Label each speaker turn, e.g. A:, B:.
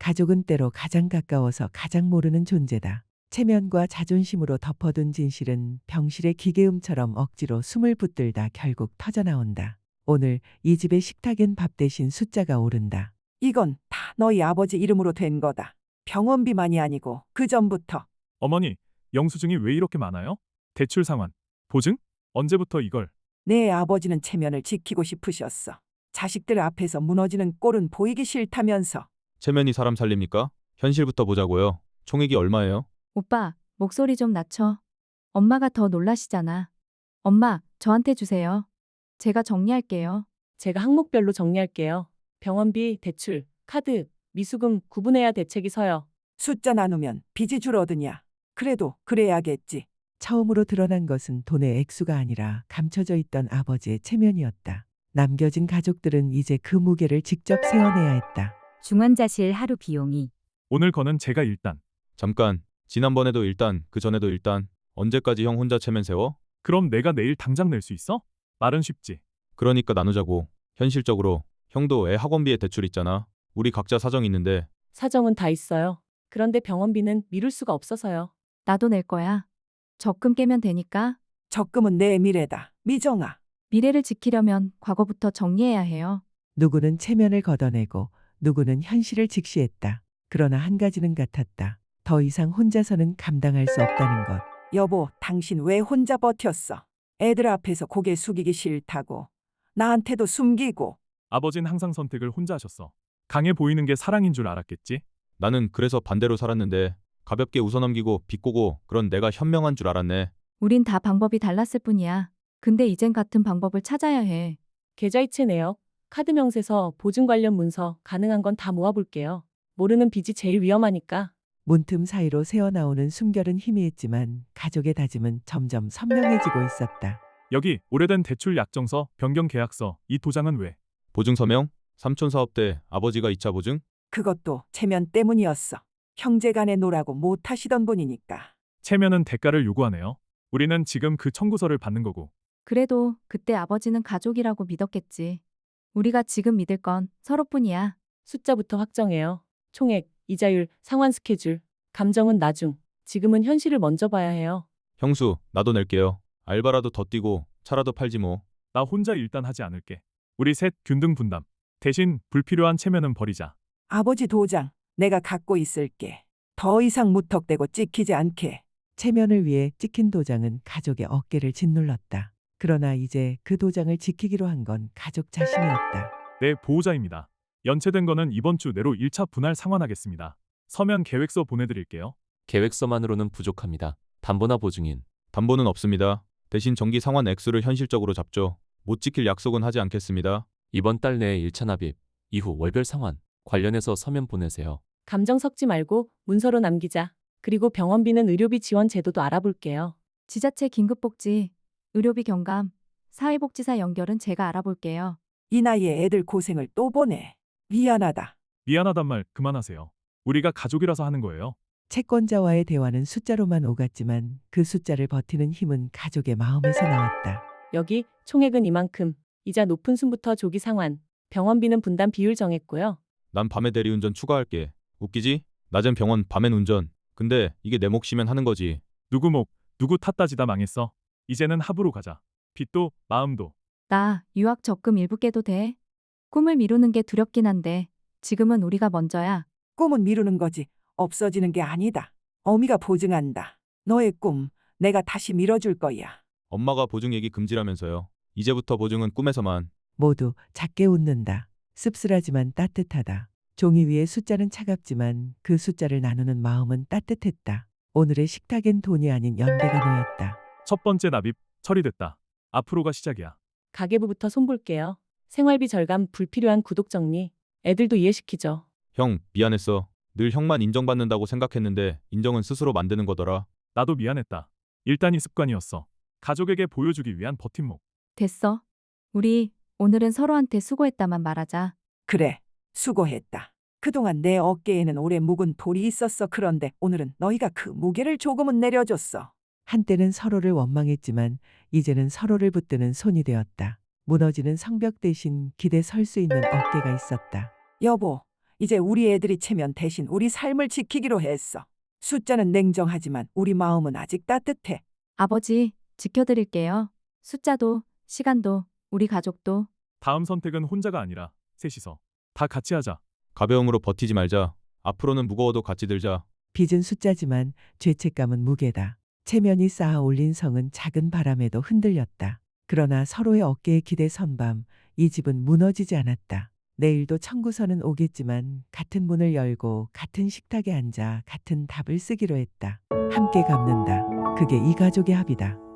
A: 가족은 때로 가장 가까워서 가장 모르는 존재다. 체면과 자존심으로 덮어둔 진실은 병실의 기계음처럼 억지로 숨을 붙들다 결국 터져나온다. 오늘 이 집의 식탁엔 밥 대신 숫자가 오른다.
B: 이건 다 너희 아버지 이름으로 된 거다. 병원비만이 아니고 그 전부터.
C: 어머니, 영수증이 왜 이렇게 많아요? 대출 상환, 보증? 언제부터 이걸?
B: 내 아버지는 체면을 지키고 싶으셨어. 자식들 앞에서 무너지는 꼴은 보이기 싫다면서.
D: 체면이 사람 살립니까? 현실부터 보자고요. 총액이 얼마예요?
E: 오빠, 목소리 좀 낮춰. 엄마가 더 놀라시잖아. 엄마, 저한테 주세요. 제가 정리할게요.
F: 제가 항목별로 정리할게요. 병원비, 대출, 카드, 미수금 구분해야 대책이 서요.
B: 숫자 나누면 빚이 줄어드냐. 그래도 그래야겠지.
A: 처음으로 드러난 것은 돈의 액수가 아니라 감춰져 있던 아버지의 체면이었다. 남겨진 가족들은 이제 그 무게를 직접 세워내야 했다.
G: 중환자실 하루 비용이
C: 오늘 거는 제가 일단.
D: 잠깐. 지난번에도 일단, 그 전에도 일단. 언제까지 형 혼자 체면 세워?
C: 그럼 내가 내일 당장 낼 수 있어? 말은 쉽지.
D: 그러니까 나누자고. 현실적으로. 형도 애 학원비에 대출 있잖아. 우리 각자 사정 있는데.
F: 사정은 다 있어요. 그런데 병원비는 미룰 수가 없어서요.
E: 나도 낼 거야. 적금 깨면 되니까.
B: 적금은 내 미래다. 미정아.
E: 미래를 지키려면 과거부터 정리해야 해요.
A: 누구는 체면을 걷어내고 누구는 현실을 직시했다. 그러나 한 가지는 같았다. 더 이상 혼자서는 감당할 수 없다는 것.
B: 여보, 당신 왜 혼자 버텼어? 애들 앞에서 고개 숙이기 싫다고. 나한테도 숨기고.
C: 아버진 항상 선택을 혼자 하셨어. 강해 보이는 게 사랑인 줄 알았겠지?
D: 나는 그래서 반대로 살았는데 가볍게 웃어넘기고 비꼬고 그런 내가 현명한 줄 알았네.
E: 우린 다 방법이 달랐을 뿐이야. 근데 이젠 같은 방법을 찾아야 해.
F: 계좌이체 내역, 카드 명세서, 보증 관련 문서 가능한 건 다 모아볼게요. 모르는 빚이 제일 위험하니까.
A: 문틈 사이로 새어나오는 숨결은 희미했지만 가족의 다짐은 점점 선명해지고 있었다.
C: 여기 오래된 대출 약정서, 변경 계약서, 이 도장은 왜?
D: 보증 서명? 삼촌 사업 때 아버지가 2차 보증?
B: 그것도 체면 때문이었어. 형제간에 노라고 못 하시던 분이니까.
C: 체면은 대가를 요구하네요. 우리는 지금 그 청구서를 받는 거고.
E: 그래도 그때 아버지는 가족이라고 믿었겠지. 우리가 지금 믿을 건 서로뿐이야.
F: 숫자부터 확정해요. 총액, 이자율, 상환 스케줄. 감정은 나중. 지금은 현실을 먼저 봐야 해요.
D: 형수, 나도 낼게요. 알바라도 더 뛰고 차라도 팔지 뭐.
C: 나 혼자 일단 하지 않을게. 우리 셋 균등 분담. 대신 불필요한 체면은 버리자.
B: 아버지 도장 내가 갖고 있을게. 더 이상 무턱대고 찍히지 않게.
A: 체면을 위해 찍힌 도장은 가족의 어깨를 짓눌렀다. 그러나 이제 그 도장을 지키기로 한 건 가족 자신이었다.
C: 네, 보호자입니다. 연체된 거는 이번 주 내로 1차 분할 상환하겠습니다. 서면 계획서 보내드릴게요.
H: 계획서만으로는 부족합니다. 담보나 보증인.
D: 담보는 없습니다. 대신 정기 상환 액수를 현실적으로 잡죠. 못 지킬 약속은 하지 않겠습니다.
H: 이번 달 내에 1차 납입, 이후 월별 상환. 관련해서 서면 보내세요.
F: 감정 섞지 말고 문서로 남기자. 그리고 병원비는 의료비 지원 제도도 알아볼게요.
E: 지자체 긴급복지, 의료비 경감, 사회복지사 연결은 제가 알아볼게요.
B: 이 나이에 애들 고생을 또 보내. 미안하다.
C: 미안하단 말 그만하세요. 우리가 가족이라서 하는 거예요.
A: 채권자와의 대화는 숫자로만 오갔지만 그 숫자를 버티는 힘은 가족의 마음에서 나왔다.
F: 여기 총액은 이만큼. 이자 높은 순부터 조기 상환. 병원비는 분담 비율 정했고요.
D: 난 밤에 대리운전 추가할게. 웃기지? 낮엔 병원, 밤엔 운전. 근데 이게 내 몫이면 하는 거지.
C: 누구 목, 누구 탓 따지다 망했어. 이제는 합으로 가자. 빚도 마음도.
E: 나 유학 적금 일부 깨도 돼? 꿈을 미루는 게 두렵긴 한데 지금은 우리가 먼저야.
B: 꿈은 미루는 거지 없어지는 게 아니다. 어미가 보증한다. 너의 꿈 내가 다시 밀어줄 거야.
D: 엄마가 보증 얘기 금지라면서요. 이제부터 보증은 꿈에서만.
A: 모두 작게 웃는다. 씁쓸하지만 따뜻하다. 종이 위의 숫자는 차갑지만 그 숫자를 나누는 마음은 따뜻했다. 오늘의 식탁엔 돈이 아닌 연대가 놓였다.
C: 첫 번째 납입 처리됐다. 앞으로가 시작이야.
F: 가계부부터 손볼게요. 생활비 절감, 불필요한 구독 정리. 애들도 이해시키죠.
D: 형, 미안했어. 늘 형만 인정받는다고 생각했는데 인정은 스스로 만드는 거더라.
C: 나도 미안했다. 일단이 습관이었어. 가족에게 보여주기 위한 버팀목.
E: 됐어. 우리 오늘은 서로한테 수고했다만 말하자.
B: 그래, 수고했다. 그동안 내 어깨에는 오래 묵은 돌이 있었어. 그런데 오늘은 너희가 그 무게를 조금은 내려줬어.
A: 한때는 서로를 원망했지만 이제는 서로를 붙드는 손이 되었다. 무너지는 성벽 대신 기대 설 수 있는 어깨가 있었다.
B: 여보, 이제 우리 애들이 체면 대신 우리 삶을 지키기로 했어. 숫자는 냉정하지만 우리 마음은 아직 따뜻해.
E: 아버지, 지켜드릴게요. 숫자도, 시간도, 우리 가족도.
C: 다음 선택은 혼자가 아니라 셋이서 다 같이 하자.
D: 가벼움으로 버티지 말자. 앞으로는 무거워도 같이 들자.
A: 빚은 숫자지만 죄책감은 무게다. 체면이 쌓아 올린 성은 작은 바람에도 흔들렸다. 그러나 서로의 어깨에 기대 선 밤, 이 집은 무너지지 않았다. 내일도 청구서는 오겠지만 같은 문을 열고 같은 식탁에 앉아 같은 답을 쓰기로 했다. 함께 갚는다. 그게 이 가족의 합이다.